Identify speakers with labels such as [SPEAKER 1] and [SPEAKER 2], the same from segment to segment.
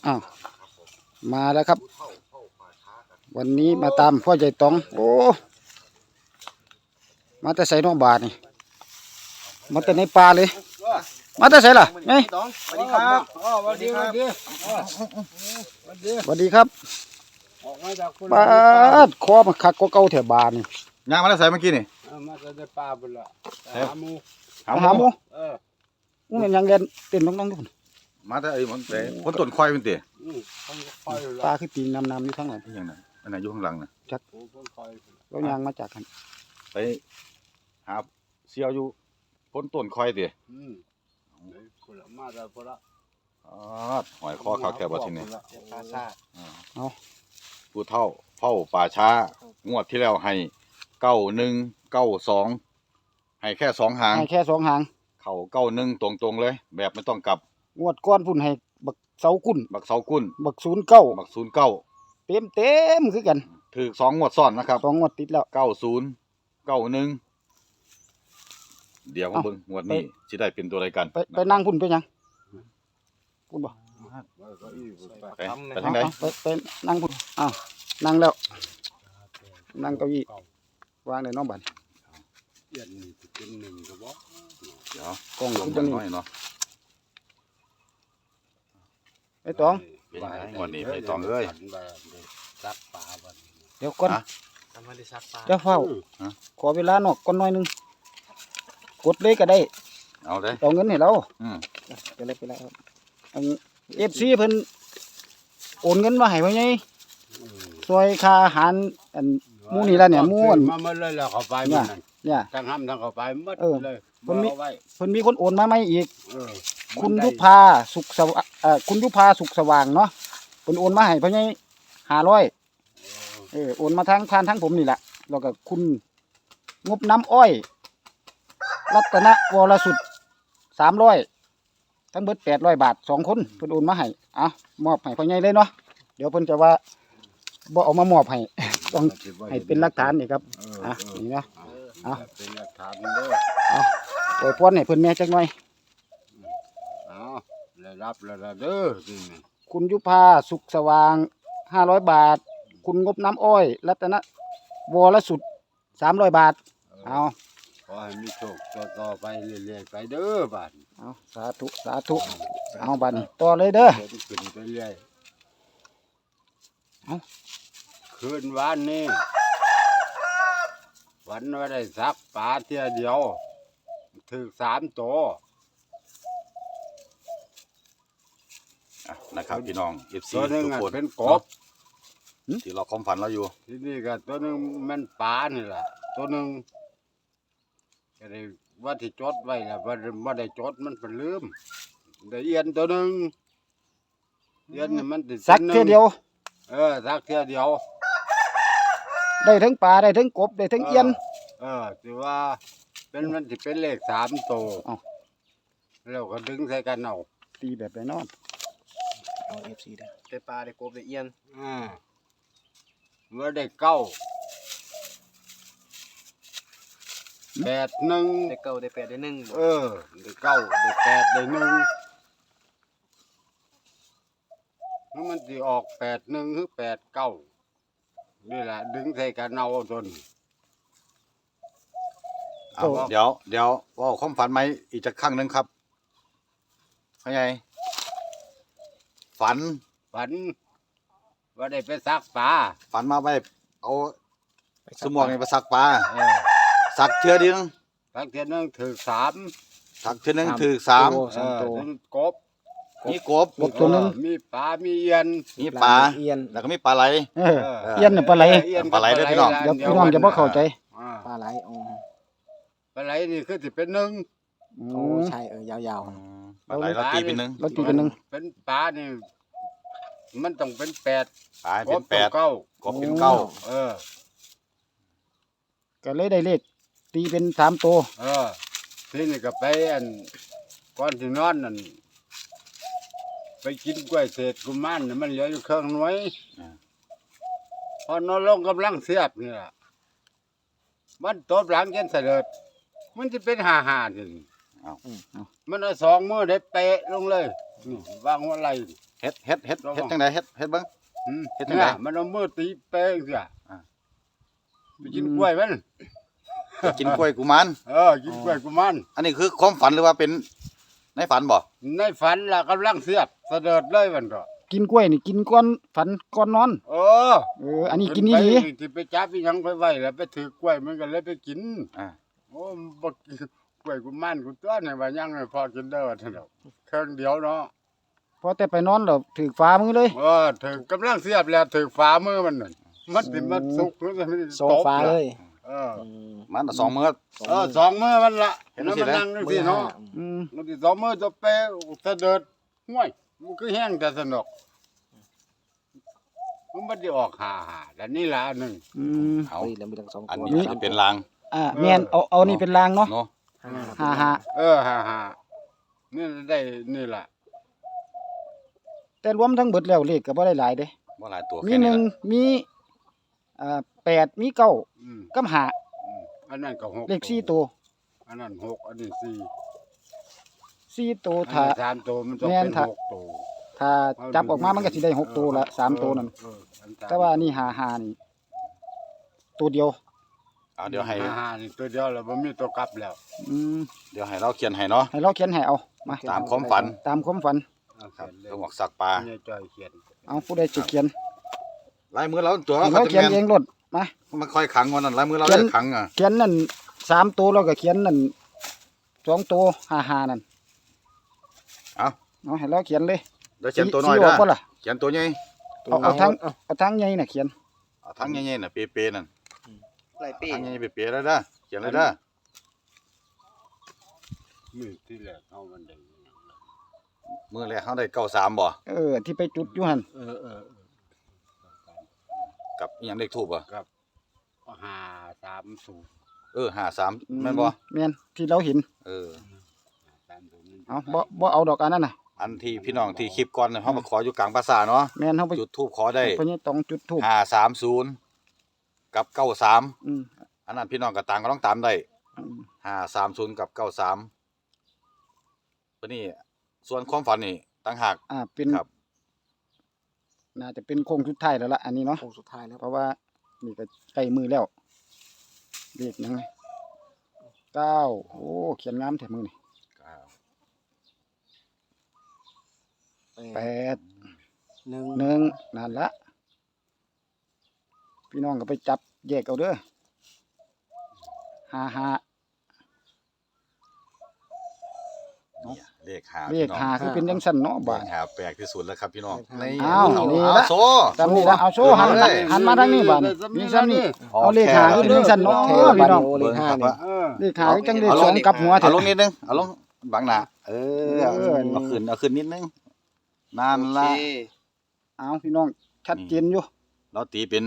[SPEAKER 1] อ้าวมาแล้วครับวันนี้มาตามพ่อใหญ่ตองโอ้มาแต่ใส่นอกบาทนี่มาแต่ในป่าเลยมาแต่ใส่ล่ะไง
[SPEAKER 2] สวัสดีครับ
[SPEAKER 1] สวัสดีครับปาดคอมาคักก็เก่าแถวบานนี่
[SPEAKER 3] ย่างมาแล้วใส่เมื่อกี้นี่
[SPEAKER 2] มาจะป่าบุญละหาหมู
[SPEAKER 1] หาหมู
[SPEAKER 2] Ừ.
[SPEAKER 1] มันยังเรียนเต้นน้องๆทุกคน
[SPEAKER 3] มาแต่ไอ้มันแต่คนต้นควายเป็นเตะ
[SPEAKER 2] ต้องคอย
[SPEAKER 1] ปลา
[SPEAKER 2] ละ
[SPEAKER 1] คือปีนำอยู่ข้างหลัง
[SPEAKER 3] ที่ยังไงอันไหนอยู่ข้างหลังน่ะ
[SPEAKER 2] ต้องคอย
[SPEAKER 1] แล้วยางมาจากกัน
[SPEAKER 3] ไปหาเสี่ยวอยู่คนต้นควายเตะ
[SPEAKER 2] คนละมาแล้วคนละ
[SPEAKER 3] อ๋อหอยคอขาวแคบว่าทีนี้
[SPEAKER 2] ปลาซา
[SPEAKER 3] ผู้เฒ่าเฝ้าป่าช้างวดที่แล้วให้9192ให้แค่2หาง
[SPEAKER 1] ให้แค่2 หาง
[SPEAKER 3] เข้า91ตรงๆเลย แบบไม่ต้องกลับ
[SPEAKER 1] งวดก้อนพุ่นให้บักเสากุ้น
[SPEAKER 3] บักเสากุ้น
[SPEAKER 1] บัก09
[SPEAKER 3] บัก09
[SPEAKER 1] เต็มคือกัน
[SPEAKER 3] ถูก2งวดซ้อนนะครับ
[SPEAKER 1] 2 งวดติดแล้ว
[SPEAKER 3] 90 91เดี๋ยวมาเบิ่งงวดนี้สิได้เป็นตัวใดกัน
[SPEAKER 1] ไปนั่งพุ่นไปยังพุ่นบ่
[SPEAKER 3] ไปทางใด
[SPEAKER 1] ไปนั่งพุ่นอ้าวนั่งแล้วนั่งเก้าอี้วางในน้องบัด
[SPEAKER 2] เย็นนี่เป็นหนึ่งก็บอก
[SPEAKER 3] เดี๋ยว
[SPEAKER 1] กล้อง
[SPEAKER 3] ลง
[SPEAKER 1] จั
[SPEAKER 3] จั
[SPEAKER 1] ง
[SPEAKER 3] ง
[SPEAKER 1] นี้
[SPEAKER 3] น้อยเนาะ
[SPEAKER 1] ไอ้ตอง
[SPEAKER 3] เป็นไงงวดนี้ไปตองเอ้ย
[SPEAKER 2] ซักปลาบัน
[SPEAKER 1] เดี๋ยวก่อน
[SPEAKER 3] ฮะ
[SPEAKER 2] ทำไมได้ซักปลา
[SPEAKER 1] จะเฝ้า
[SPEAKER 3] ฮะ
[SPEAKER 1] ขอเวลานอกก่อนหน่อยหนึงกดเลยก็ได้
[SPEAKER 3] เอาเลย
[SPEAKER 1] เอาเงินให้เรา
[SPEAKER 3] อืม
[SPEAKER 1] ไปเลยอัน FC เพิ่นโอนเงินมาให้ไว้ไงซอยค่าอาหารอันหมู่นี่ล่ะเนี่ยหมู่อัน
[SPEAKER 2] มาเมื่อเลยแล้วเข้าไปมันนั่น
[SPEAKER 1] เนี่ย
[SPEAKER 2] ทั้งห้ำทั้งเข้าไปหมดเลย
[SPEAKER 1] เพิ่นมี
[SPEAKER 2] เอาไว้
[SPEAKER 1] เพิ่นมีคนโอนมาใหม่อีก
[SPEAKER 2] เออ
[SPEAKER 1] คุณยุพาสุขสว่างคุณยุพาสุขสว่างเนาะเพิ่นโอนมาให้เพิ่นไง500โอนมาทางผ่านทางผมนี่แหละแล้วก็คุณงบน้ำอ้อย รัตนวรสุด300ทั้งเบิด800 บาท2 คนเพิ่นโอนมาให้มอบให้เพิ่นไงเลยเนาะเดี๋ยวเพิ่นจะว่าบ่เอามามอบให้ ต้องให้เป็นหลักฐานนี่ครับนี่นะ เอา
[SPEAKER 2] เป็นหลักฐานเด้อ
[SPEAKER 1] ปล่อยพรให้เพิ่นแม่จักหน่อย
[SPEAKER 2] เอาได้รับแล้วล่ะเด้อนี่
[SPEAKER 1] คุณยุพาสุขสว่าง500 บาท คุณงบน้ำอ้อย รัตนวรสุด300 บาทเอา
[SPEAKER 2] ขอให้มีโชคต่อไปเรื่อยๆไปเด้อบาด
[SPEAKER 1] เอาสาธุเอาบัดนี้ต่อเลยเด้อ
[SPEAKER 2] เพิ่นขึ้นไปเรื่อย
[SPEAKER 1] เอ้า
[SPEAKER 2] คืนวันนี้วันว่าได้ซักปลาเที่ยเดียวถึง3 ตัว
[SPEAKER 3] นะครับพี่น้อง FC
[SPEAKER 2] ตัวหนึง
[SPEAKER 3] ทุก
[SPEAKER 2] อะ
[SPEAKER 3] คน
[SPEAKER 2] เป็นกบ
[SPEAKER 3] ที่เราความฝันเราอยู่
[SPEAKER 2] ที่นี่ก็ตัวหนึงมันปลานี่แหละตัวหนึงก็ได้ว่าที่จดไว้ล่ะว่าได้จดมันเป็นลืมได้เอียนตัวหนึงเอียนนี่มันติ
[SPEAKER 1] สักเท่อเดียว
[SPEAKER 2] สักเที่ยเดียว
[SPEAKER 1] ได้ทั้งปลาได้ทั้งกบได้ทั้งเอียน
[SPEAKER 2] ถือว่าเป็นมันสิเป็นเลข3 ตัว
[SPEAKER 1] เอ้า
[SPEAKER 2] แล้วก็ดึงใส่กันเอา
[SPEAKER 1] ตีแบบไหนเนาะ
[SPEAKER 4] เอา FC เด้อได้ปลาได้กบได้เอียน
[SPEAKER 2] เมื่อได้9 8 1
[SPEAKER 4] ได้เก้าได้แปดได้หนึ่งบ่
[SPEAKER 2] ได้9ได้8ได้1แล้วมันสิออก8 1หรือ8 9นี่แหละดึงใส่กันเอาจน
[SPEAKER 3] เอาเดี๋ยวว่าความฝันไหมอีกจักครั้งหนึงครับเข้าใจฝัน
[SPEAKER 2] ฝันว่าได้ไปซักปลา
[SPEAKER 3] ฝันมาไว้เอา
[SPEAKER 4] ไป
[SPEAKER 3] สมองนี่ไปสักปลา
[SPEAKER 2] เออ
[SPEAKER 3] สักเทื่อเดียว
[SPEAKER 2] ซักเที่ยหนึงถึง3
[SPEAKER 3] สักเทื่อหนึงถือ
[SPEAKER 1] สาม
[SPEAKER 2] ถึงกบ
[SPEAKER 3] 3มีกบ
[SPEAKER 1] กบตัวหนึง
[SPEAKER 2] มีปลา มีเอียน
[SPEAKER 3] มีปลา
[SPEAKER 4] เอียน
[SPEAKER 3] แล้วก็มีปลาไหล
[SPEAKER 1] เอียนน่ะปลาไหล
[SPEAKER 3] ปลาไหลเด้อพี่น้อง
[SPEAKER 1] เดี๋ยวพี่น้องจะบ่เข้าใจ
[SPEAKER 4] ปลาไหลอ๋อ
[SPEAKER 2] ปลาไหลนี่คือสิเป็นหนึ่ง
[SPEAKER 1] อื
[SPEAKER 4] โอ้
[SPEAKER 1] ม
[SPEAKER 4] ใช่ยาว
[SPEAKER 3] ปลาไหลเราตีเป็นหนึ่ง
[SPEAKER 1] เราตีเป็นหนึ่ง
[SPEAKER 2] เป็นปลานี่มันต้องเป็น8
[SPEAKER 3] ปลาเป็นแปด
[SPEAKER 2] เก้าก
[SPEAKER 3] บเป็นเก้า
[SPEAKER 2] เออ
[SPEAKER 1] ก็เลยได้เลขตีเป็น3 ตัว
[SPEAKER 2] ทีนี่ก็ไปอันก่อนที่นอนนั่นไปกินกล้วยเศษกุมารน่ะมันเหลืออยู่เครื่องหน่วยพอนอนลงกำลังเสียบนี่ล่ะมันตบหลังจนเสด็จมันจะเป็น5 5นี่มันเอาสองมือได้เป๊ะลงเลยนี่วางหัวไหล่
[SPEAKER 3] เฮ็ดจังไดเฮ็ดเบิ่ง เฮ็ดจัง
[SPEAKER 2] เนี่
[SPEAKER 3] ได๋
[SPEAKER 2] ยมันเอามือตีเป๊ะเสีย
[SPEAKER 3] อ่า
[SPEAKER 2] ไปกินกล้วยมัน
[SPEAKER 3] ไปกินกล้วยกุมาร
[SPEAKER 2] กินกล้วยกูมัน
[SPEAKER 3] อันนี้คือความฝันหรือว่าเป็นในฝันบ่
[SPEAKER 2] ในฝันล่ะกำลังเสียบเสด็จเลยมันก็
[SPEAKER 1] กินกล้วยนี่กินก่อนฝันก่อนนอน
[SPEAKER 2] เออ
[SPEAKER 1] อันนี้กินนี่ดี
[SPEAKER 2] ไปที่ไปจับอีหยังไปไว้แล้วไปถือกล้วยมันก็เลยไปกิน
[SPEAKER 3] อ่า
[SPEAKER 2] โอ้มันบ่กินกล้วยกูมันกูตัวนี่ว่ายังไม่พอกินเด้อท่านเนาะเครื่องเดียวเนาะ
[SPEAKER 1] พอแต่ไปนอนแล้วถือฟ้ามือเลย
[SPEAKER 2] ถึงกำลังเสียบแล้วถึงฝ่ามือมันนั่นมันสิมันสุกหรือมันสิ
[SPEAKER 4] โซฟาเลย
[SPEAKER 2] เออ
[SPEAKER 3] มันสองมื้อ
[SPEAKER 2] สองมือมันละ
[SPEAKER 3] เห็น
[SPEAKER 2] แล้ว
[SPEAKER 3] สิ
[SPEAKER 2] มัน
[SPEAKER 3] นะ
[SPEAKER 2] นั่งจังซี่เนาะ
[SPEAKER 1] อืม
[SPEAKER 2] มันสิสองมือจะเปะเสด็จห้วยมันคือแห้งแต่สนุกมันบ่ได้ออกหาแล้วนี่ล่ะอันหนึง
[SPEAKER 1] อืม
[SPEAKER 3] เอา
[SPEAKER 4] เฮ้ยแล้วมีทั้งสอง
[SPEAKER 3] อัน
[SPEAKER 4] ตัว
[SPEAKER 3] นี้เป็นลาง
[SPEAKER 1] แม่นเอานี่เป็นรางเนาะ
[SPEAKER 3] เนาะ
[SPEAKER 1] หา
[SPEAKER 2] หานี่ได้นี่ล่ะ
[SPEAKER 1] แต่รวมทั้งเบิดแล้วเลขก็บ่ได้หลายเด้
[SPEAKER 3] บ่หลายตัว
[SPEAKER 1] มี
[SPEAKER 3] แค่
[SPEAKER 1] ห
[SPEAKER 3] นี้
[SPEAKER 1] นึ่ง
[SPEAKER 3] ล่ะ
[SPEAKER 1] มี8มี9
[SPEAKER 2] อืม
[SPEAKER 1] กับ5
[SPEAKER 2] อันนั้นก็6
[SPEAKER 1] เลข4ตัว
[SPEAKER 2] อันนั้น6อันนี้4
[SPEAKER 1] 4ตัว
[SPEAKER 2] อัน
[SPEAKER 1] ถ้า
[SPEAKER 2] นี้3ตัวมันต้อง
[SPEAKER 1] แม่น
[SPEAKER 2] เป็น
[SPEAKER 1] ถ้า
[SPEAKER 2] 6ตัว
[SPEAKER 1] ถ้าจับออกมามันก็สิได้6ตัวละ3ตัวนั่น
[SPEAKER 2] อันสม
[SPEAKER 1] แต่ว่านี่5นี่ตัวเดียว
[SPEAKER 3] เอาเดี๋ยวให้
[SPEAKER 2] หานี่ตัวเดียวแล้วบ่มีตัวกลับแล้ว
[SPEAKER 1] อืม
[SPEAKER 3] เดี๋ยวให้เราเขียนให้เนาะ
[SPEAKER 1] ให้เราเขียนให้เอามา
[SPEAKER 3] ตามความฝัน
[SPEAKER 1] ตามความฝัน
[SPEAKER 3] ครับ
[SPEAKER 2] เขียนเลย
[SPEAKER 3] ต้องบอกสักปลา
[SPEAKER 2] เนี่ยจอยเขียน
[SPEAKER 1] เอาผู้ใดสิเขียน
[SPEAKER 3] ลายมือเราตัว
[SPEAKER 1] ให้
[SPEAKER 3] เขา
[SPEAKER 1] เรา
[SPEAKER 3] จะ
[SPEAKER 1] เขียน
[SPEAKER 3] แม่น
[SPEAKER 1] เองรถมา
[SPEAKER 3] มันค่อยขังวันนั้นลายมือเรา
[SPEAKER 1] เขียน
[SPEAKER 3] ได้ขังอ่ะ
[SPEAKER 1] เขียนนั่น3ตัวแล้วก็เขียนนั่น2ตัว5นั่น
[SPEAKER 3] เอา
[SPEAKER 1] เอาให้เราเขียนเลย
[SPEAKER 3] เดี๋ยวเขียนตัวน้อย
[SPEAKER 1] สิ
[SPEAKER 3] เด้
[SPEAKER 1] อ
[SPEAKER 3] อ
[SPEAKER 1] อกบ่ล่ะ
[SPEAKER 3] เขียนตัวใหญ่
[SPEAKER 1] เอาทางใหญ่น่ะเขียน
[SPEAKER 3] เอาทั้งใหญ่ๆน่ะเป๊ะๆนั่น
[SPEAKER 4] ไรปี
[SPEAKER 3] ทั้งใหญ่ๆเป๊ะๆแล้วเด้อเขียนเลยเด้อ
[SPEAKER 2] มือที่แรกเอามันได้
[SPEAKER 3] มือแรกเขาได้93บ่
[SPEAKER 1] ที่ไปจุดอยู่หั่น
[SPEAKER 2] เออ
[SPEAKER 3] กับอีหยังเลขทูบบ่
[SPEAKER 2] 530
[SPEAKER 3] 53แม่นบ่
[SPEAKER 1] แม่นที่เราเห็น
[SPEAKER 3] เออ
[SPEAKER 2] 30
[SPEAKER 1] เอาบ่เอาดอกอันนั้นน่ะ
[SPEAKER 3] อันที่พี่น้องที่คลิปก่อนน่ะเฮามาขออยู่กลางปราสาทเนาะ
[SPEAKER 1] แม่นเฮาไป
[SPEAKER 3] จุดทูบขอได้
[SPEAKER 1] เพิ่นต้องจุดธูป
[SPEAKER 3] 530กับ93
[SPEAKER 1] อืม
[SPEAKER 3] อันนั้นพี่น้องก็ต่างก็ต้องตามได้
[SPEAKER 1] อืม
[SPEAKER 3] 530กับ93ตัวนี้ส่วนความฝันนี่ต่างหาก
[SPEAKER 1] เป็น
[SPEAKER 3] ครับ
[SPEAKER 1] น่าจะเป็นโค้งสุดท้ายแล้วล่ะอันนี้เนาะ
[SPEAKER 4] โค้งสุดท้ายแล้ว
[SPEAKER 1] เพราะว่านี่ก็ใกล้มือแล้วเลขหยังไง9โอ้เขียนงามแท้มือนี่8
[SPEAKER 4] หนึ่ง
[SPEAKER 1] 1นั่นละพี่น้องก็ไปจับแยกเอาเด้อ55
[SPEAKER 3] เนี่ยเลข5
[SPEAKER 1] เล
[SPEAKER 3] พี่
[SPEAKER 1] ข
[SPEAKER 3] น้อง
[SPEAKER 1] 5คือเป็นจังซั่นเนาะ
[SPEAKER 3] เล
[SPEAKER 1] บาด
[SPEAKER 3] ข5แปลกที่สุดแล้วครับพี่น้อง
[SPEAKER 1] อ้าวนี่ละ
[SPEAKER 3] โซ
[SPEAKER 1] จำนี่ละเอาโชว์หัน
[SPEAKER 3] เลย
[SPEAKER 1] หันมาทางนี้บาดนี่ซ้ำนี่เอาเลขหาคือเป็นจังซั่นเนาะพี่น้อง
[SPEAKER 4] เลขห้านี่
[SPEAKER 2] เออ
[SPEAKER 1] เลขหาคือจังเลขสองกลับหัว
[SPEAKER 3] เอา
[SPEAKER 1] เถอะ
[SPEAKER 3] ลงนิดนึงเอาลงบังหน้าเอา
[SPEAKER 1] เออ
[SPEAKER 3] เอาขึ้นนิดนึงนั่น
[SPEAKER 4] โอ
[SPEAKER 3] ละ
[SPEAKER 4] เค
[SPEAKER 1] เอาพี่น้องชัดเจนอยู่
[SPEAKER 3] เราตีเป็น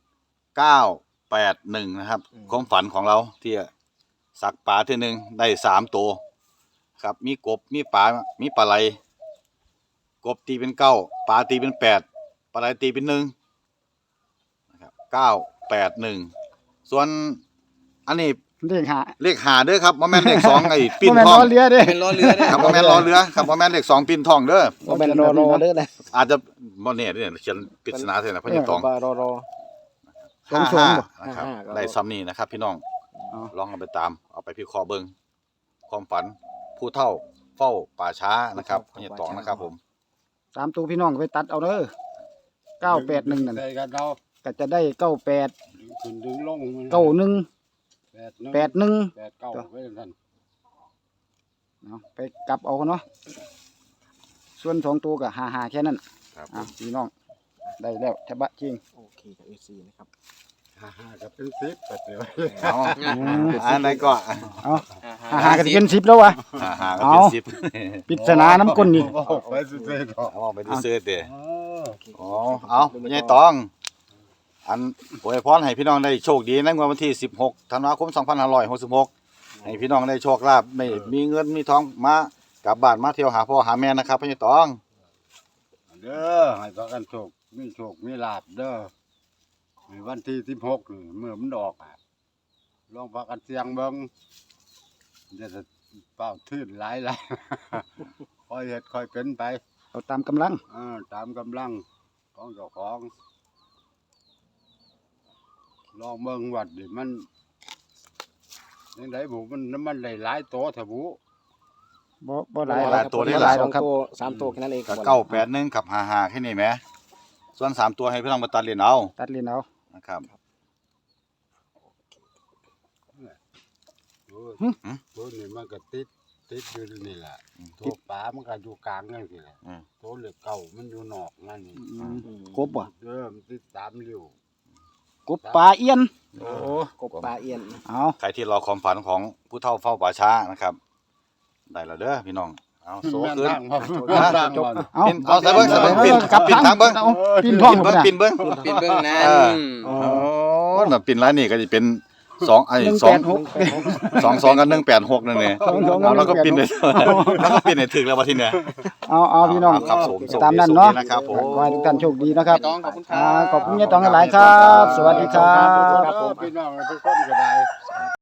[SPEAKER 3] 981นะครับความฝันของเราที่สักปลาที่หนึ่งได้3ตัวครับมีกบมีปลามีปลาไหลกบตีเป็น9ปลาตีเป็น8ปลาไหลตีเป็น1นะครับ981ส่วนอันนี้
[SPEAKER 1] เลขหา
[SPEAKER 3] เลข5เด้อครับบ่แม่นเลข2ไอ้ปิ้น
[SPEAKER 1] บ่แม่น
[SPEAKER 3] ทอง
[SPEAKER 1] ล้อเรือเด้
[SPEAKER 4] เป็นล้อเรือเนี่ย
[SPEAKER 3] ครับบ่แม่นรอเรือครับบ่แม่นเลข2ปิ้นทองเด้อ
[SPEAKER 4] บ่เป็นรอเด้อนะ
[SPEAKER 3] อาจจะบ่แน่เด้อเขียนปริศนาเท่านั้นเพราะยังตอง
[SPEAKER 4] บารอ
[SPEAKER 1] สองสองบ่
[SPEAKER 3] นะครับ
[SPEAKER 4] 55ก็
[SPEAKER 3] ได้ซ้ำนี้นะครับ พี่น้อง
[SPEAKER 1] อ๋อ
[SPEAKER 3] ลองเอาไปตามเอาไปพิเคราะห์เบิ่งความฝันผู้เฒ่าเฝ้าป่าช้านะครับเพราะยังตองนะครับผม
[SPEAKER 1] สามตัวพี่น้องไปตัดเอาเด้อ981นั่น
[SPEAKER 2] ใส่กันเอา
[SPEAKER 1] ก็จะได้98
[SPEAKER 2] ขึ้นดึงลงมัน
[SPEAKER 1] 91 81
[SPEAKER 2] 89ไว้ซั่น
[SPEAKER 1] เอาไปกลับเอาเนาะส่วน2ตัวก็55แค่นั้น
[SPEAKER 3] ครับ
[SPEAKER 1] พี่น้องได้แล้วฉบะจริง
[SPEAKER 4] โอเคกับ FC นะครับ
[SPEAKER 2] 55ก็เป็น10ก็เดี๋ยว
[SPEAKER 3] เอาอันไหนก็
[SPEAKER 1] เอา55ก็สิเป็น10แล้ววะ
[SPEAKER 3] ก็เป็น10
[SPEAKER 1] ปริศนาน้ำก้นนี่
[SPEAKER 2] ไปซื่อๆเนาะ
[SPEAKER 3] เอาไปดูเสื้อเด้
[SPEAKER 2] เออ
[SPEAKER 3] อ๋อเอาไม่ใช่ตอง อันอวยพรให้พี่น้องได้โชคดีในวันที่16ธันวาคม2566ให้พี่น้องได้โชคลาภไม่มีเงินมีทองมากลับบ้านมาเที่ยวหาพ่อหาแม่นะครับพี่ตอง
[SPEAKER 2] เด้อให้พากันโชคมีลาภเด้อในวันที่16นี่เมื่อมันออกลองพากันเสี่ยงเบิ่งจะเป้าทื่นหลาย ค่อยเฮ็ดค่อยเป็นไป
[SPEAKER 1] เอาตามกำลัง
[SPEAKER 2] ตามกำลังของเจ้าของลองเบิ่งวัดดิมันจังไดบุมันได้หลายโตแท้บุ
[SPEAKER 1] บ่หลาย
[SPEAKER 3] หลายตัวได้
[SPEAKER 1] บ่
[SPEAKER 3] ห
[SPEAKER 1] ห
[SPEAKER 3] ลา
[SPEAKER 1] ลาย ยหรอกครับ
[SPEAKER 4] ตัวสามตัวแค่นั้นเอง
[SPEAKER 3] กับ981กับ55แค่นี้แหมส่วน3ตัวให้พี่น้องมาตัดเล่นเอา
[SPEAKER 1] ตัดเลียนเอา
[SPEAKER 3] นะครับ
[SPEAKER 2] ตัวนี้มันก็ติดอยู่นี่แหละตัวปลามันก็อยู่กลางนั่นสิแหละตัวเหล็กเก่ามันอยู่นอกนั่นนี่
[SPEAKER 1] กบบ่
[SPEAKER 2] มันติดตามริ้ว
[SPEAKER 1] กบปลาเอียน
[SPEAKER 3] โอ้
[SPEAKER 4] กบปลาเอียน
[SPEAKER 1] เอา
[SPEAKER 3] ใครที่รอความฝันของผู้เฒ่าเฝ้าป่าช้านะครับได้แล้วเด้อพี่น้องเอาโซ
[SPEAKER 2] แม่น
[SPEAKER 3] ขึ้น
[SPEAKER 2] ทางบ่
[SPEAKER 3] ฮะ
[SPEAKER 2] ทางบ่
[SPEAKER 1] เอา
[SPEAKER 3] ปิ่นเอาใส่เบิ่งใส่เบิ่งปิ่น
[SPEAKER 1] กลับ
[SPEAKER 3] ปิ่นทางเบิ่ง
[SPEAKER 1] เอาปิ่นท้อง
[SPEAKER 3] ปิ่นเบิ่ง
[SPEAKER 1] พุ่นน่ะ
[SPEAKER 3] ปิ่นเบิ่ง
[SPEAKER 4] ปิดเบื้องนั้น
[SPEAKER 3] โอ้น่ะปิ่นร้านนี้ก็สิเป็น2ไอ้2 2กับ186นั่นแหละเอาแล้วก็ปิ่นได้แล้วก็ปิ่นให้ถึกแล้วว่าทีเนี้ย
[SPEAKER 1] เอาพี่น้อง
[SPEAKER 3] ครับผม
[SPEAKER 1] ตามนั้นเนาะ
[SPEAKER 3] โชคดีนะครับผม
[SPEAKER 1] ขอให้ทุกท่านโชคดีนะครับ
[SPEAKER 4] ต้องขอบคุณครั
[SPEAKER 1] ขอบคุณยายตองหลายๆครับ สวัสดีครับ
[SPEAKER 2] พี่น้องทุกคนก็ได้